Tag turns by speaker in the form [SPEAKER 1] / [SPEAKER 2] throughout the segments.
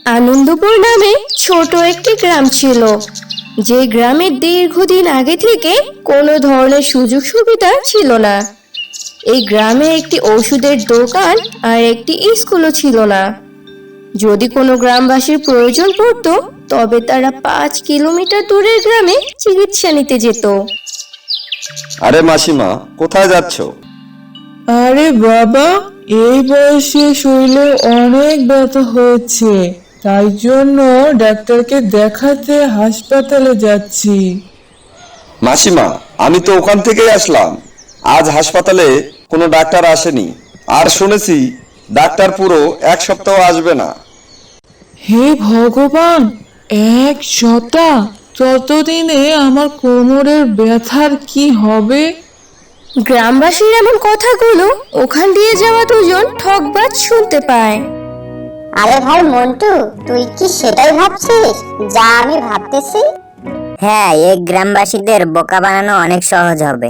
[SPEAKER 1] আনন্দপুর নামে ছোট একটি গ্রাম ছিল, যে গ্রামের দীর্ঘদিন আগে থেকে কোনো ধরনের সুযোগ সুবিধা ছিল না। এই গ্রামে একটি ওষুধের দোকান আর একটি স্কুলও ছিল না। যদি কোনো গ্রামবাসীর প্রয়োজন পড়তো, তবে তারা 5 কিলোমিটার দূরের গ্রামে চিকিৎসা নিতে যেত।
[SPEAKER 2] আরে মাসিমা, কোথায় যাচ্ছ?
[SPEAKER 3] আরে বাবা, এই বয়সে শরীরে অনেক ব্যথা হয়েছে, তাই জন্য ডাক্তারকে দেখাতে হাসপাতালে যাচ্ছি।
[SPEAKER 2] মাসিমা, আমি তো ওখান থেকেই আসলাম। আজ হাসপাতালে কোনো ডাক্তার আসেনি, আর শুনেছি ডাক্তার পুরো 1 সপ্তাহ আসবে না।
[SPEAKER 3] হে ভগবান, 1 সপ্তাহ! ততদিনে আমার কোমরের ব্যথার কি হবে?
[SPEAKER 1] গ্রামবাসীর এমন কথাগুলো ওখান দিয়ে যাওয়া দুজন ঠকবাজ শুনতে পায়।
[SPEAKER 4] আরে ভাই মন্টু, তুই কি সেটাই ভাবছিস যা আমি ভাবতেছি?
[SPEAKER 5] হ্যাঁ, এই গ্রামবাসীদের বোকা বানানো অনেক সহজ হবে।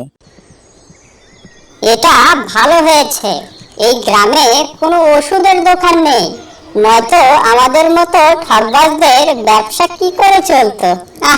[SPEAKER 4] এটা ভালো হয়েছে, এই গ্রামে কোনো ওষুধের দোকান নেই, নয়তো আমাদের মতো ঠকবাজদের ব্যবসা কি করে চলতো।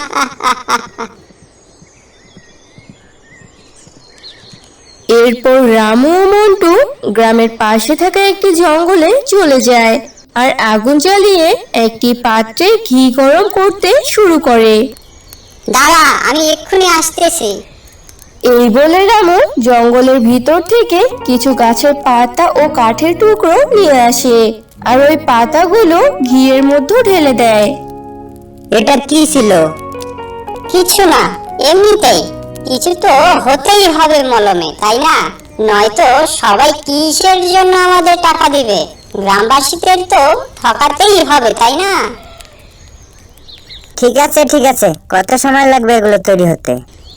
[SPEAKER 1] এরপর রামু ও মন্টু গ্রামের পাশে থাকা একটি জঙ্গলে চলে যায় আর আগুন জ্বালিয়ে একটি পাত্রে ঘি গরম করতে শুরু করে।
[SPEAKER 4] দাঁড়া, আমি এক্ষুনি আসতেছি।
[SPEAKER 1] এই বলে রামু জঙ্গলের ভিতর থেকে কিছু গাছের পাতা ও কাঠের টুকরো নিয়ে আসে আর ওই পাতাগুলো ঘিয়ের মধ্যে ঢেলে দেয়।
[SPEAKER 5] এটা কি ছিল?
[SPEAKER 4] কিছু না, এমনিতেই। কিছু তো হতেই হবে মলমে, তাই না? নয়তো সবাই কিসের জন্য আমাদের টাকা দিবে? গ্রামবাসীদের তো ঠকাতেই হবে, তাই না?
[SPEAKER 5] ঠিক আছে ঠিক আছে, কত সময় লাগবে এগুলো তৈরি হতে?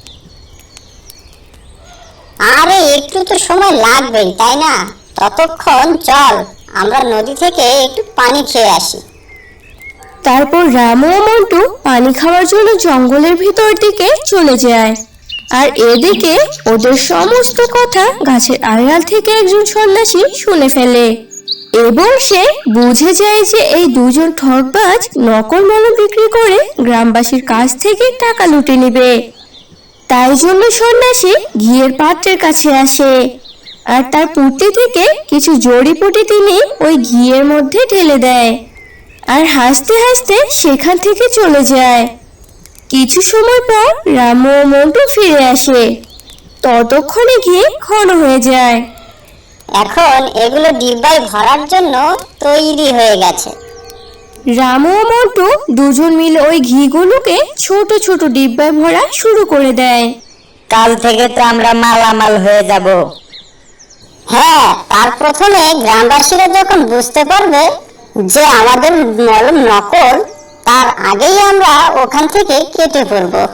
[SPEAKER 4] আরে একটু তো সময় লাগবেই, তাই না? ততক্ষণ চল আমরা নদী থেকে একটু পানি খেয়ে আসি।
[SPEAKER 1] তারপর রামু ও মন্টু পানি খাওয়ার জন্য জঙ্গলের ভিতর দিকে চলে যায়। আর এদিকে ওদের সমস্ত কথা গাছের আড়াল থেকে একজন সন্ন্যাসী শুনে ফেলে এবং সে বুঝে যায় যে এই দুজন ঠকবাজ নকল মলম বিক্রি করে গ্রামবাসীর কাছ থেকে টাকা লুটে নেবে। তাই জন্য সন্ন্যাসী ঘিয়ের পাত্রের কাছে আসে আর তার পুঁটলি থেকে কিছু জড়িপুটি তিনি ওই ঘিয়ের মধ্যে ঢেলে দেয় আর হাসতে হাসতে সেখান থেকে চলে যায়। কিছু সময় পর রামু ও মন্টু ফিরে আসে। ততক্ষণে ঘি ঘন হয়ে যায়।
[SPEAKER 4] এখন এগুলো ডিব্বায় ভরার জন্য তৈরি হয়ে গেছে।
[SPEAKER 1] রামু ও মন্টু দুজন মিলে ওই ঘিগুলোকে ছোট ছোট ডিব্বায় ভরা শুরু করে দেয়।
[SPEAKER 5] কাল থেকে তো আমরা মালামাল হয়ে যাব।
[SPEAKER 4] হ্যাঁ, তার প্রথমে গ্রামবাসীরা যখন বুঝতে পারবে যে আমাদের মলম নকল, তার আগেই আমরা ওখান থেকে কেটে পড়বো।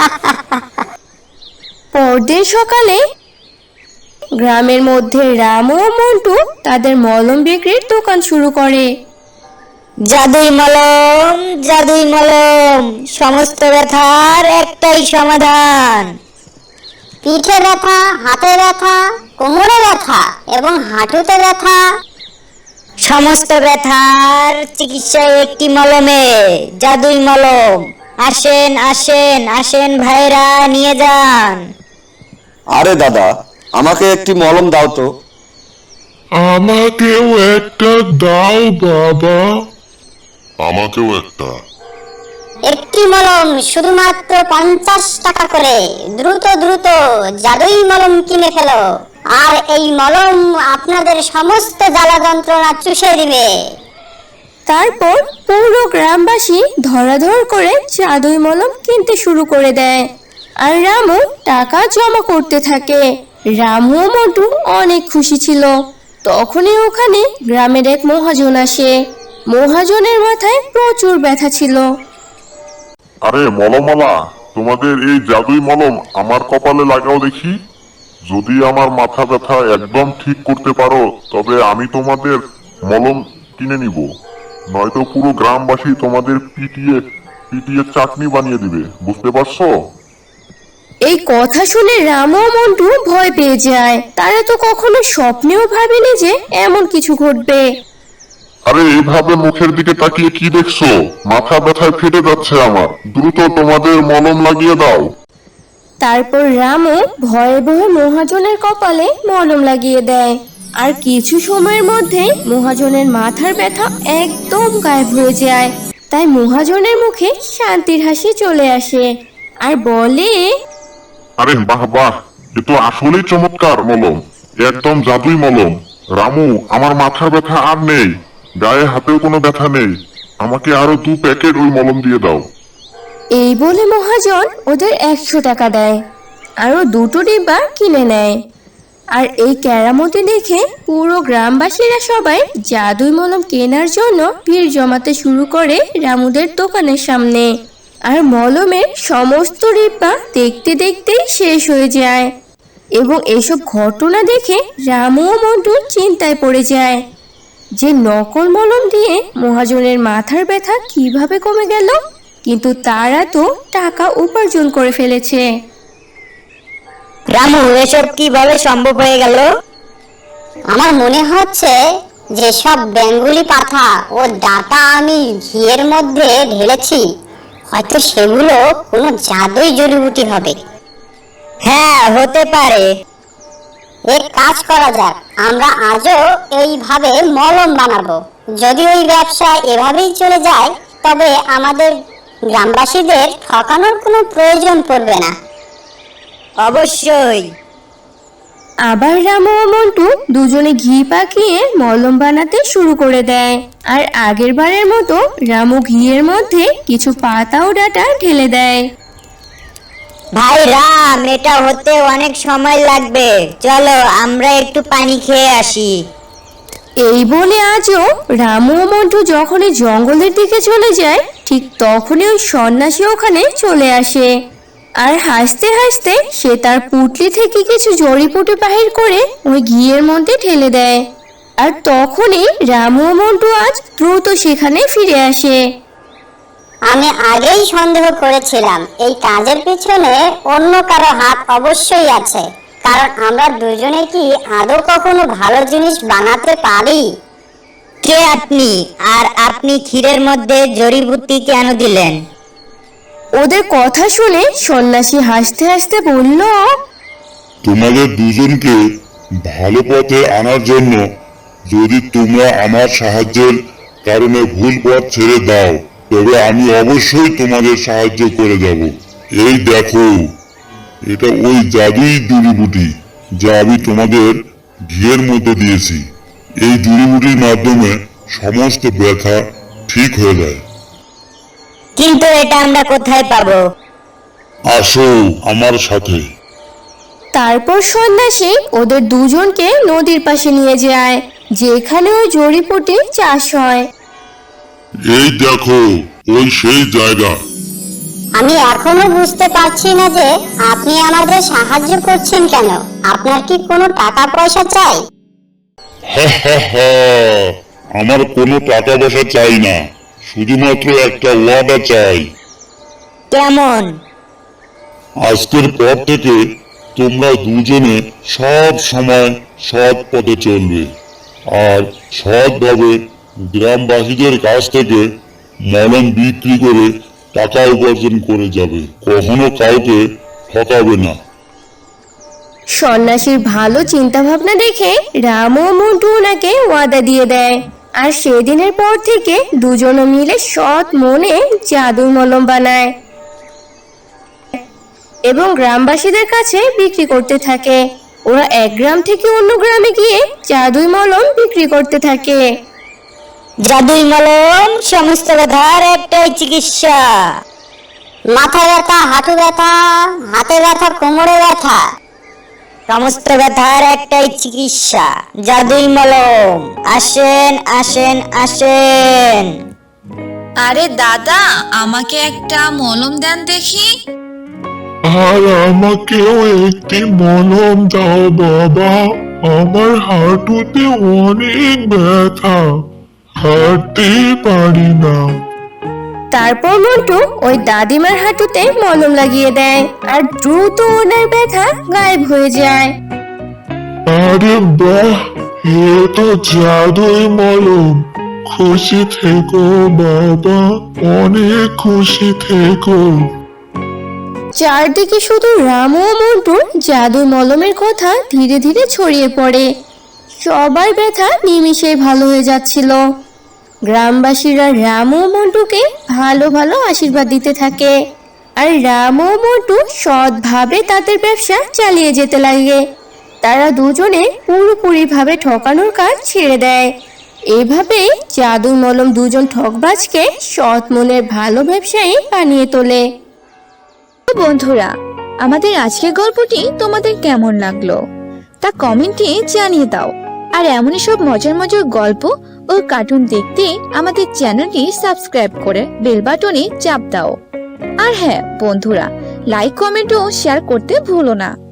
[SPEAKER 1] পরদিন সকালে গ্রামের মধ্যে রামু ও মন্টু তাদের মলম বিক্রির দোকান শুরু করে।
[SPEAKER 5] জাদুই মলম, জাদুই মলম, সমস্ত ব্যথার একটাই সমাধান।
[SPEAKER 4] পিঠে ব্যথা, হাতে ব্যথা, কোমরে ব্যথা এবং হাঁটুতে ব্যথা,
[SPEAKER 5] সমস্ত ব্যথার চিকিৎসা একটি মলমে, জাদুই মলম। আসেন আসেন আসেন ভাইরা, নিয়ে যান।
[SPEAKER 2] আরে দাদা, আমাকে একটি মলম দাও তো।
[SPEAKER 6] আমাকেও একটা দাও বাবা। আমাকেও একটা।
[SPEAKER 4] একটি মলম শুধুমাত্র 50 টাকা করে। দ্রুত দ্রুত জাদুই মলম কিনে ফেলো, আর এই মলম আপনাদের সমস্ত জ্বালা যন্ত্রণা চুষে দিবে।
[SPEAKER 1] তারপর পুরো গ্রামবাসী ধরাধর করে জাদুই মলম কিনতে শুরু করে দেয় আর রামু টাকা জমা করতে থাকে। রামু ও মন্টু অনেক খুশি ছিল। তখনই ওখানে গ্রামের এক মহাজন আসে। মহাজনের মাথায় প্রচুর ব্যথা ছিল।
[SPEAKER 6] আরে মলমওয়ালা, তোমাদের এই জাদুই মলম আমার কপালে লাগাও দেখি। যদি আমার মাথা ব্যথা একদম ঠিক করতে পারো, তবে আমি তোমাদের মলম কিনে নিব। নয়তো পুরো গ্রামবাসী তোমাদের পিটিয়ে পিটিয়ে চাটনি বানিয়ে দিবে, বুঝতে পারছো?
[SPEAKER 1] এই কথা শুনে রামু ও মন্টু ভয় পেয়ে যায়। তারা তো কখনো স্বপ্নেও ভাবেনি যে এমন কিছু ঘটবে।
[SPEAKER 6] আরে এভাবে মুখের দিকে তাকিয়ে কি দেখছো? মাথা ব্যথায় ফেটে যাচ্ছে আমার। দ্রুত তোমাদের মলম লাগিয়ে দাও।
[SPEAKER 1] তারপর রামু ভয়ে ভয়ে মহাজনের কপালে মলম লাগিয়ে দেয়। আর কিছু সময়ের মধ্যে মহাজনের মাথার ব্যথা একদম গায়েব হয়ে যায়। তাই মহাজনের মুখে শান্তির হাসি চলে আসে আর বলে,
[SPEAKER 6] আরে বাহ বাহ, এ তো আসলেই চমৎকার মলম, একদম জাদুই মলম। রামু, আমার মাথার ব্যথা আর নেই, গায়ে হাতেও কোনো ব্যথা নেই। আমাকে আরো 2 প্যাকেট ওই মলম দিয়ে দাও।
[SPEAKER 1] এই বলে মহাজন ওদের 100 টাকা দেয়। আরো 2টো ডিব্বা কিনে নেয়। আর এই কেরামতি দেখে পুরো গ্রামবাসীরা সবাই জাদুই মলম কেনার জন্য ভিড় জমাতে শুরু করে রামুদের দোকানের সামনে। আর মলমের সমস্ত ডিব্বা দেখতে দেখতেই শেষ হয়ে যায়। এবং এসব ঘটনা দেখে রামু ও মন্টু চিন্তায় পড়ে যায় যে নকল মলম দিয়ে মহাজনের মাথার ব্যথা কিভাবে কমে গেল, কিন্তু তারা তো টাকা উপার্জন করে ফেলেছে।
[SPEAKER 5] রামু, এসব কিভাবে সম্ভব হয়ে গেল?
[SPEAKER 4] আমার মনে হচ্ছে যে সব বেঙ্গুলি পাতা ও ডাটা আমি ঘিয়ের মধ্যে ঢেলেছি, হয়তো সেগুলো কোনো জাদুই জড়িবুটি হবে।
[SPEAKER 5] হ্যাঁ, হতে পারে।
[SPEAKER 4] এক কাজ করা যাক, আমরা আজও এইভাবে মলম বানাবো। যদি ওই ব্যবসা এভাবেই চলে যায় তবে আমাদের গ্রামবাসীদের ঠকানোর কোনো প্রয়োজন পড়বে না।
[SPEAKER 5] অবশ্যই।
[SPEAKER 1] আবার রামু ও মন্টু দুজনে ঘি পাকিয়ে মলম বানাতে শুরু করে দেয়। আর আগের বারের মতো রামু ঘিয়ের মধ্যে কিছু পাতা ও ডাঁটা ঢেলে দেয়।
[SPEAKER 5] ভাই রাম, এটা হতে অনেক সময় লাগবে, চলো আমরা একটু পানি খেয়ে আসি।
[SPEAKER 1] এই বলে আজও রামু ও মন্টু যখনই জঙ্গলের দিকে চলে যায়, ঠিক তখনই ওই সন্ন্যাসী ওখানে চলে আসে। আর হাসতে হাসতে সে তার পুটলি থেকে কিছু জড়িপুটি বাহির করে ওই ঘিয়ের মধ্যে ঢেলে দেয়। আর তখনই রামু ও মন্টু আজ দ্রুত সেখানে ফিরে আসে।
[SPEAKER 4] আমি আগেই সন্দেহ করেছিলাম এই কাজের পিছনে অন্য কারো হাত অবশ্যই আছে, কারণ আমরা দুজনে কি আদৌ কখনো ভালো জিনিস বানাতে পারি?
[SPEAKER 5] কে আপনি? আর আপনি ক্ষীরের মধ্যে জড়িবুটি কেন দিলেন?
[SPEAKER 1] ওদের কথা শুনে সন্ন্যাসী হাসতে হাসতে বলল,
[SPEAKER 7] তোমাদের দুজনকে ভালো পথে আনার জন্য যদি তোমরা আমার সাহায্যের কারণে ভুল পথ ছেড়ে দাও তবে আমি অবশ্যই তোমাদের সাহায্য করে যাব। এই দেখো, এটা ওই জাদুই জড়িবুটি যা আমি তোমাদের ঘিয়ের মধ্যে দিয়েছি। এই জড়িবুটির মাধ্যমে সমস্ত ব্যথা ঠিক হয়ে যায়।
[SPEAKER 5] কিন্তু এটা আমরা কোথায় পাবো?
[SPEAKER 7] আসো আমার সাথে।
[SPEAKER 1] তারপর সন্ন্যাসী ওদের দুজনকে নদীর পাশে নিয়ে যায়, যেখানে ওই জড়িপুটি চাষ হয়।
[SPEAKER 7] এই দেখো, ওই সেই জায়গা।
[SPEAKER 4] আমি এখনো বুঝতে পারছি না যে আপনি আমাদের সাহায্য করছেন কেন। আপনার কি কোনো টাকা পয়সা চাই?
[SPEAKER 7] আমার কোনো টাকা পয়সা চাই না, শুধুমাত্র একটা ওয়াদা চাই।
[SPEAKER 5] কেমন?
[SPEAKER 7] আজকের পর থেকে তোমরা দুজনে সব সময় সৎ পথে চলবে আর সৎভাবে গ্রামবাসীদের কাছ থেকে মলম বিক্রি করে টাকা উপার্জন করে যাবে, কখনো কাউকে ঠকাবে না।
[SPEAKER 1] সন্ন্যাসীর ভালো চিন্তা ভাবনা দেখে রামু ও মন্টু ওনাকে ওয়াদা দিয়ে দেয়। আর সেদিনের পর থেকে দুজনে মিলে সৎ মনে জাদুর মলম বানায় এবং গ্রামবাসীদের কাছে বিক্রি করতে থাকে। ওরা এক গ্রাম থেকে অন্য গ্রামে গিয়ে জাদুই মলম বিক্রি করতে থাকে।
[SPEAKER 5] জাদুই মলম সমস্ত ব্যথার একটাই চিকিৎসা।
[SPEAKER 4] মাথা ব্যথা, হাঁটু ব্যথা, হাতে ব্যথা, কোমরে ব্যথা,
[SPEAKER 5] সমস্ত ব্যথার একটাই চিকিৎসা, জাদুই মলম। আসেন আসেন আসেন।
[SPEAKER 8] আরে দাদা, আমাকে একটা মলম দেন দেখি।
[SPEAKER 7] আর আমাকেও একটি মলম দাও বাবা, আমার হাঁটুতে অনেক ব্যথা, হাঁটতেই পারি না।
[SPEAKER 1] তারপর মন্টু ওই দাদিমার হাঁটুতে মলম লাগিয়ে দেয় আর দ্রুত ওনার ব্যথা গায়েব হয়ে যায়।
[SPEAKER 7] আরে বাহ, এ তো জাদুই মলম, খুশি থেকো বাবা, অনেক খুশি থেকো।
[SPEAKER 1] চারদিকে শুধু রামু ও মন্টুর জাদু মলমের কথা ধীরে ধীরে ছড়িয়ে পড়ে। সবার ব্যথা নিমিষেই ভালো হয়ে যাচ্ছিল। গ্রামবাসীরা রামু ও মন্টুকে ভালো ভালো আশীর্বাদ দিতে থাকে, আর রামু ও মন্টু সৎভাবে তাদের ব্যবসা চালিয়ে যেতে লাগে। তারা দুজনে পুরোপুরিভাবে ঠকানোর কাজ ছেড়ে দেয়। এভাবেই জাদু মলম দুজন ঠকবাজকে সৎ মনের ভালো ব্যবসায়ী বানিয়ে তোলে।
[SPEAKER 8] বন্ধুরা, আমাদের আজকের গল্পটি তোমাদের কেমন লাগলো তা কমেন্টে জানিয়ে দাও। আর এমনই সব মজার মজার গল্প ও কার্টুন দেখতে আমাদের চ্যানেলটি সাবস্ক্রাইব করে বেল বাটনে চাপ দাও। আর হ্যাঁ বন্ধুরা, লাইক কমেন্ট ও শেয়ার করতে ভুলো না।